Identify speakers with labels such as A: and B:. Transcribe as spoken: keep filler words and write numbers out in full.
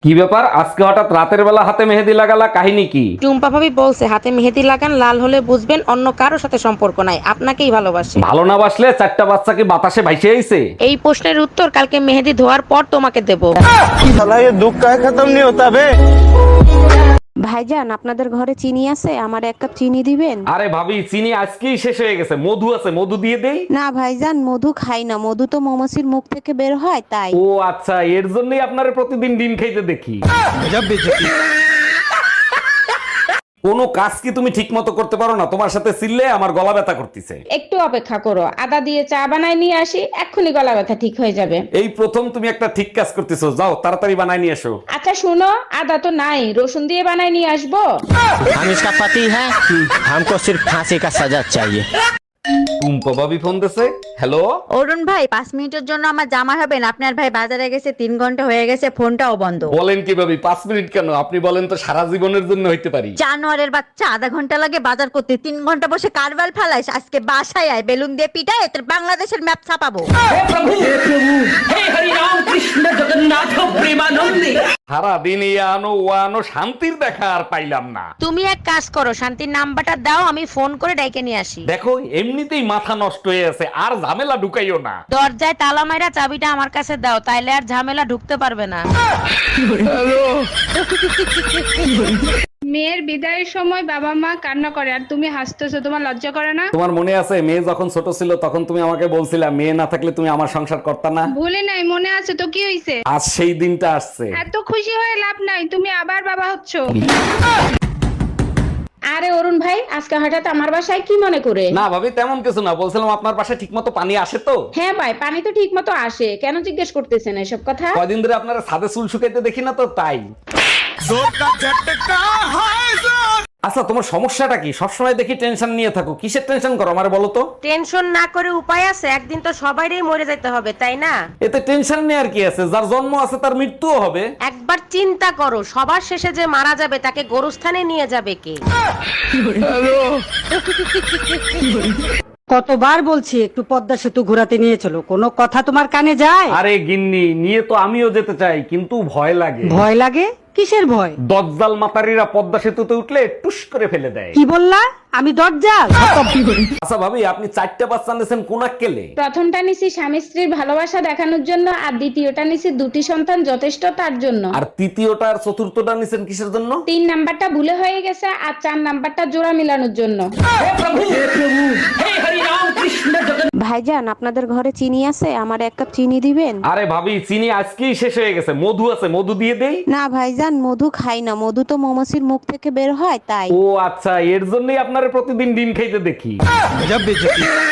A: কি ব্যাপার আজকে হঠাৎ রাতের বেলা হাতে মেহেদি লাগালা, কাহিনী কি?
B: টুম্পা ভাবি বলছে হাতে মেহেদি লাগান, লাল হলে বুঝবেন অন্য কারোর সাথে সম্পর্ক নাই, আপনাকেই ভালোবাসে।
A: ভালো না বাসলে চারটা বাচ্চা কি বাতাসে ভাইসে আইছে?
B: এই প্রশ্নের উত্তর কালকে মেহেদি ধোয়ার পর তোমাকে দেব।
C: साला ये दुख का खत्म नहीं होता बे।
B: ভাইজান, আপনাদের ঘরে চিনি আছে? আমার এক কাপ চিনি দিবেন?
A: আরে ভাবি, চিনি আজকেই শেষ হয়ে গেছে, মধু আছে, মধু দিয়ে দেই।
B: না ভাইজান, মধু খাই না, মধু তো মৌমাছির মুখ থেকে বের হয় তাই।
A: ও আচ্ছা, এর জন্যই আপনারা প্রতিদিন ডিম খাইতে দেখি। কোনো কাজ কি তুমি ঠিক মতো করতে পারো না? তোমার সাথে চিল্লে আমার গলা ব্যথা করতেছে।
D: একটু অপেক্ষা করো, আদা দিয়ে চা বানাই নিয়ে আসি, এক্ষুনি গলা ব্যথা ঠিক হয়ে যাবে।
A: এই প্রথম তুমি একটা ঠিক কাজ করতেছো, যাও তাড়াতাড়ি বানাই নিয়ে এসো।
D: আচ্ছা শুনো, আদা তো নাই, রসুন দিয়ে বানাই নিয়ে আসবো।
E: हम इसका पति है, हमको सिर्फ फांसी का सजा चाहिए।
A: টুম্পা ভাবি ফোন দিছে। হ্যালো,
F: অরুণ ভাই, পাঁচ মিনিটের জন্য আমার জামা হবেন? আপনার ভাই বাজারে গেছে, তিন ঘন্টা হয়ে গেছে, ফোনটাও বন্ধ।
A: বলেন কি ভাবি, পাঁচ মিনিট কেন? আপনি বলেন তো সারা জীবনের জন্য হইতে পারি।
F: জানোয়ারের বাচ্চা, আধা ঘন্টা লাগে বাজার করতে, তিন ঘন্টা বসে কারবাল ফেলাইস। আজকে বাসায় আয়, বেলুন দিয়ে পিটায় তোর বাংলাদেশের ম্যাপ ছাপাবো।
A: সারা দিন এই আনো ও আনো, শান্তির দেখা আর পাইলাম না।
B: তুমি এক কাজ করো, শান্তির নাম্বারটা দাও, আমি ফোন করে ডাইকে নিয়ে আসি।
A: দেখো এমনিতেই মাথা নষ্ট হয়ে আছে, আর ঝামেলা ঢুকাইও না।
B: দরজায় তালা মাইরা চাবিটা আমার কাছে দাও, তাইলে আর ঝামেলা ঢুকতে পারবে না।
D: মেয়ের বিদায়ের সময় বাবা মা কান্না করে আর তুমি হাসতেছো, তোমার লজ্জা করে না?
A: তোমার মনে আছে মেয়ে যখন ছোট ছিল তখন তুমি আমাকে বলছিলা মেয়ে না থাকলে তুমি আমার সংসার করতা না?
D: ভুলে নাই, মনে আছে তো, কি হইছে?
A: আজ সেই দিনটা আসছে।
D: এত খুশি হয়ে লাভ নাই, তুমি আবার বাবা হচ্ছ। আরে অরুণ ভাই, আজকে হঠাৎ আমার বাসায় কি মনে করে?
A: না ভাবি, তেমন কিছু না, বলছিলাম আপনার পাশে ঠিক মতো পানি আসে তো?
D: হ্যাঁ ভাই, পানি তো ঠিক মতো আসে, কেন জিজ্ঞেস করতেছেন এসব কথা?
A: কয়দিন ধরে আপনারা ছাদে চুল শুকাইতে দেখি না তো, তাই। আচ্ছা, তোমার সমস্যাটা কি? সবসময় দেখি টেনশন নিয়ে থাকো, কিসের টেনশন করো আমার বলো তো?
B: টেনশন না করে উপায় আছে? একদিন তো সবাইরই মরে যেতে হবে, তাই না?
A: এতে টেনশন নেওয়ার কি আছে? যার জন্ম আছে তার মৃত্যুও হবে।
B: একবার চিন্তা করো, সবার শেষে যে মারা যাবে তাকে গোরস্থানে নিয়ে যাবে কে?
G: কতবার বলছি একটু পদ্মা সেতু ঘোরাতে নিয়ে চলো, কোনো কথা তোমার কানে যায়?
A: আরে গিন্নি, নিয়ে তো আমিও যেতে চাই, কিন্তু ভয় লাগে।
G: ভয় লাগে? কিসের ভয়?
A: দজ্জাল মাতারিরা পদ্মা সেতুতে উঠলে টুস করে ফেলে দেয়।
G: কি বললা? আমি দরজাল?
A: আচ্ছা ভাবি, আপনি চারটা বাচ্চা নিয়েছেন কোন কেলে?
D: প্রথমটা নিছি স্বামী স্ত্রীর ভালোবাসা দেখানোর জন্য, আর দ্বিতীয়টা নিছি দুটি সন্তান যথেষ্ট তার জন্য।
A: আর তৃতীয়টা আর চতুর্থটা নিছেন কিসের জন্য?
D: তিন নাম্বারটা ভুলে হয়ে গেছে, আর চার নাম্বারটা জোড়া মিলানোর জন্য।
B: ভাইজান, আপনাদের ঘরে চিনি আছে? আমার এক কাপ চিনি দিবেন?
A: আরে ভাবি, চিনি আজকেই শেষ হয়ে গেছে, মধু আছে, মধু দিয়ে দেই।
B: না ভাইজান, মধু খাই না, মধু তো মৌমাছির মুখ থেকে বের হয় তাই।
A: ও আচ্ছা, এর জন্যই আপনারা প্রতিদিন ডিম খাইতে দেখি।